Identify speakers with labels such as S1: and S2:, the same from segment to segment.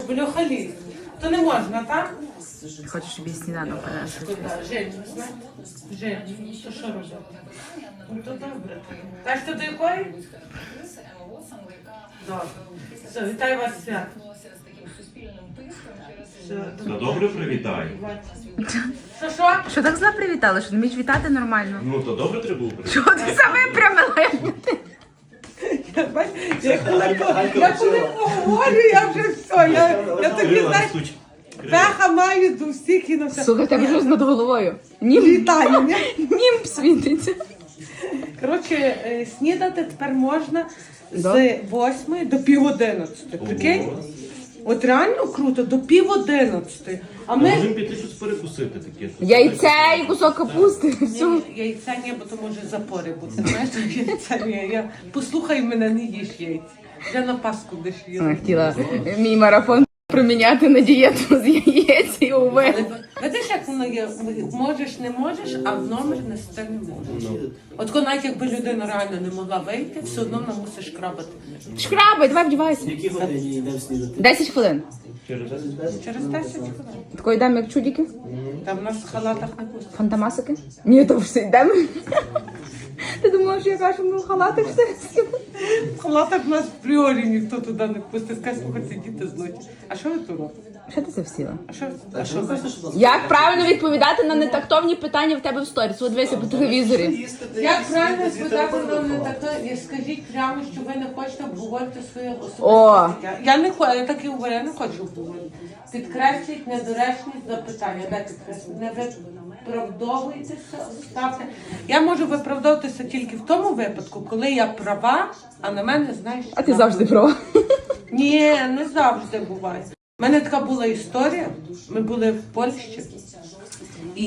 S1: Бляха ліс. То не можна, так?
S2: Хочу, щоб я сніданок принесли.
S1: Жень, Жень, то що робити? Ну то добре. Так що до якої? Добре. Все, вітаю вас свят.
S3: Все добре, привітай.
S1: Що?
S2: Що так зла привітали? Що не вмієш вітати нормально?
S3: Ну, то добре треба було привітати.
S2: Чого ти саме випрямила?
S1: Я коли поговорю, я вже все. Я тобі, знаєш, пеха маю до всіх і на все.
S2: Слухай, тебе щось над головою. Німб.
S1: Вітаю, ні?
S2: Німб світиться.
S1: Коротше, снідати тепер можна з 8 до пів 11. Прикинь? От реально круто, до пів 11. А ми...
S3: Можемо піти щось перекусити таке.
S2: Яйце і кусок капусти. Все.
S1: Яйця ні, бо то може запори бути. Знаєш, яйця ні. Послухай мене, не їж яйця. Я на Пасху десь їду.
S2: Вона хотіла мій марафон проміняти на дієту з яєць і овець.
S1: Видиш, як воно є? Можеш, не можеш, а в номер нести не можеш. От коли навіть якби людина реально не могла вийти, все одно вона мусиш крабати.
S2: Шкрабай, давай вдівайся.
S4: Які годині йдемо снідати?
S2: 10 хвилин.
S3: Через
S1: Через 10 хвилин.
S2: Такої йдемо, як чудики.
S1: Там в нас в халатах не пустять.
S2: Фантамасики. Ні, то все йдемо. Ти думала, що я кажу, що ми в халатах все?
S1: В халатах в нас в пріорі ніхто туди не пустить. Скажи, слухайте, діти злоті. А що ви тут робите?
S2: Що ти це всіла?
S1: А що ви?
S2: Як правильно відповідати на нетактовні питання в тебе в сторіс? От дивися по телевізорі.
S1: Як правильно спитати не таке? Скажіть прямо, що ви не хочете обговорити своє особисте
S2: О!
S1: життя. Я не хочу, я так і говорю, я не хочу обговорити. Підкресліть недоречність запитання. Де підкресліть? Не виправдовуйтеся, ставте. Я можу виправдовуватися тільки в тому випадку, коли я права, а на мене, знаєш...
S2: А ти завжди права.
S1: Ні, не завжди буває. У мене така була історія. Ми були в Польщі. І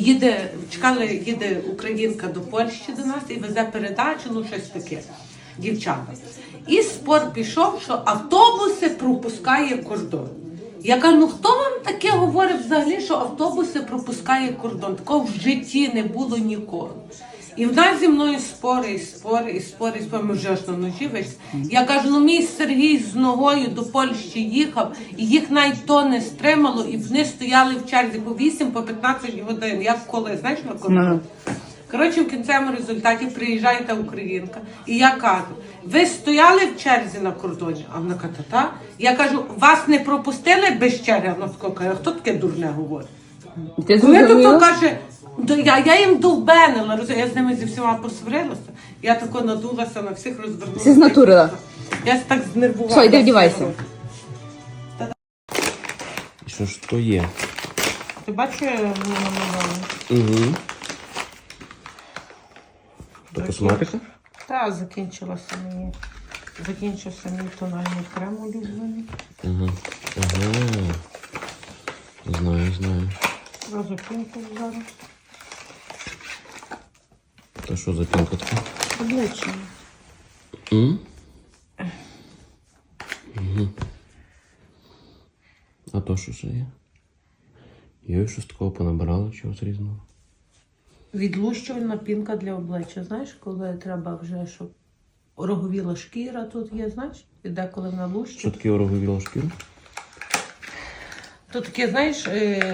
S1: їде українка до Польщі до нас і везе передачу, ну щось таке, дівчата. І спор пішов, що автобуси пропускає кордон. Я кажу, ну хто вам таке говорить взагалі, що автобуси пропускає кордон? Такого в житті не було ніколи. І в нас зі мною спори. Ми вже аж на ножі вийшли. Я кажу, ну мій Сергій з ногою до Польщі їхав, і їх навіть то не стримало, і вони стояли в черзі по 8, по 15 годин. Як коли, знаєш, на кордоні? Коротше, в кінцевому результаті приїжджає та українка, і я кажу, ви стояли в черзі на кордоні? А вона каже, та. Я кажу, вас не пропустили без черги? Вона каже, хто таке дурне говорить?
S2: Ти
S1: Коли то
S2: зрозуміла?
S1: каже, я їм довбенила, я з ними зі всіма посварилася. Я тако надулася, на всіх розвернулася.
S2: Всі знатурила.
S1: Я так знервувала.
S2: Все, йди вдівайся.
S3: Що ж то є?
S1: Ти бачиш, я мені намалювала?
S3: Угу. То косметика?
S1: Та, закінчився мій тональний крем улюблений.
S3: Угу. Ага. Знаю.
S1: Зразу пінку зараз.
S3: То що за пінка така?
S1: Обличчя.
S3: Угу. А то що ще є? Йой, щось такого понабирала, чогось різного.
S1: Відлущувальна пінка для обличчя. Знаєш, коли треба вже, щоб ороговіла шкіра тут є, знаєш? І деколи вона лущить.
S3: Що таке ороговіла шкіра?
S1: То таке, знаєш,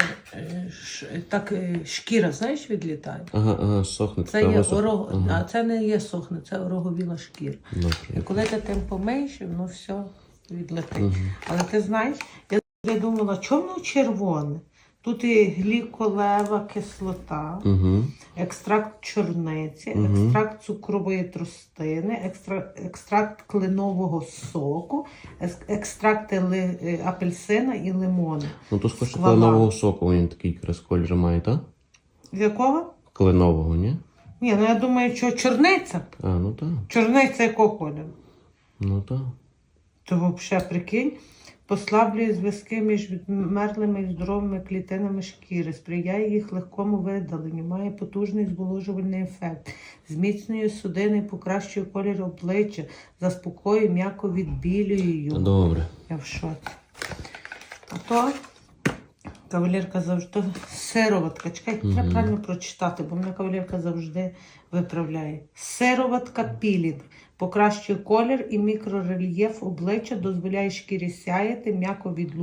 S1: шкіра, знаєш, відлітає.
S3: Ага, сохне.
S1: Це є а це не є сохне, це ороговіла шкіра. І коли ти тим помиєш, воно все відлетить. Але ти знаєш, я думала, чому воно червоне? Тут і гліколева кислота, екстракт чорниці, екстракт цукрової тростини, екстракт кленового соку, екстракти апельсина і лимону.
S3: Ну то скоріше кленового соку, він такий якраз колір має, так?
S1: З якого?
S3: Кленового, ні?
S1: Ні, ну я думаю, що чорниця.
S3: А, ну так.
S1: Чорниця якого кольору?
S3: Ну так.
S1: То взагалі, прикинь, послаблює зв'язки між відмерлими і здоровими клітинами шкіри, сприяє їх легкому видаленню, має потужний зволожувальний ефект, зміцнює судини і покращує колір обличчя, заспокоює, м'яко відбілює його.
S3: Добре.
S1: Я в шоці. А то кавалерка завжди... Сироватка. Чекай, треба правильно прочитати, бо мене кавалерка завжди виправляє. Сироватка пілінг. Покращує колір і мікрорельєф обличчя, дозволяє шкірі сяяти, м'яко відлущує.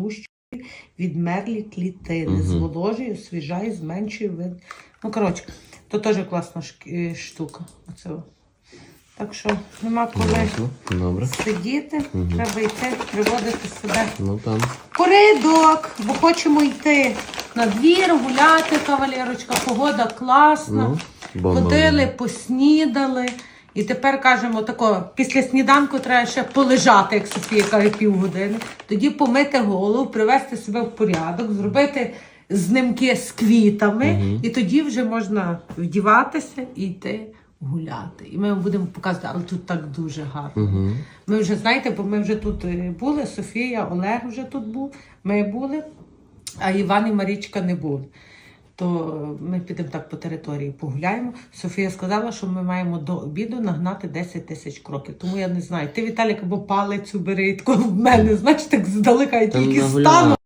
S1: відмерлі клітини, зволожує, освіжає, зменшує вид. Ну, коротше, то теж класна штука. Оце. Так що нема коли
S3: Ясно. Добре.
S1: сидіти, треба йти, приводити себе
S3: Ну там.
S1: в порядок, бо хочемо йти на двір, гуляти, кавалерочка, погода класна.
S3: Бомба.
S1: Ходили, поснідали. І тепер кажемо тако, після сніданку треба ще полежати, як Софія каже, півгодини. Тоді помити голову, привести себе в порядок, зробити знимки з квітами. І тоді вже можна вдіватися і йти гуляти. І ми вам будемо показувати, але тут так дуже гарно. Ми вже, знаєте, бо ми вже тут були, Софія, Олег вже тут був, ми були, а Іван і Марічка не були. То ми підемо так по території погуляємо. Софія сказала, що ми маємо до обіду нагнати 10 тисяч кроків. Тому я не знаю. Ти, Віталік, або палицю бери, тако в мене, знаєш, так здалека я
S3: Там
S1: тільки
S3: нагуляла.
S1: стану.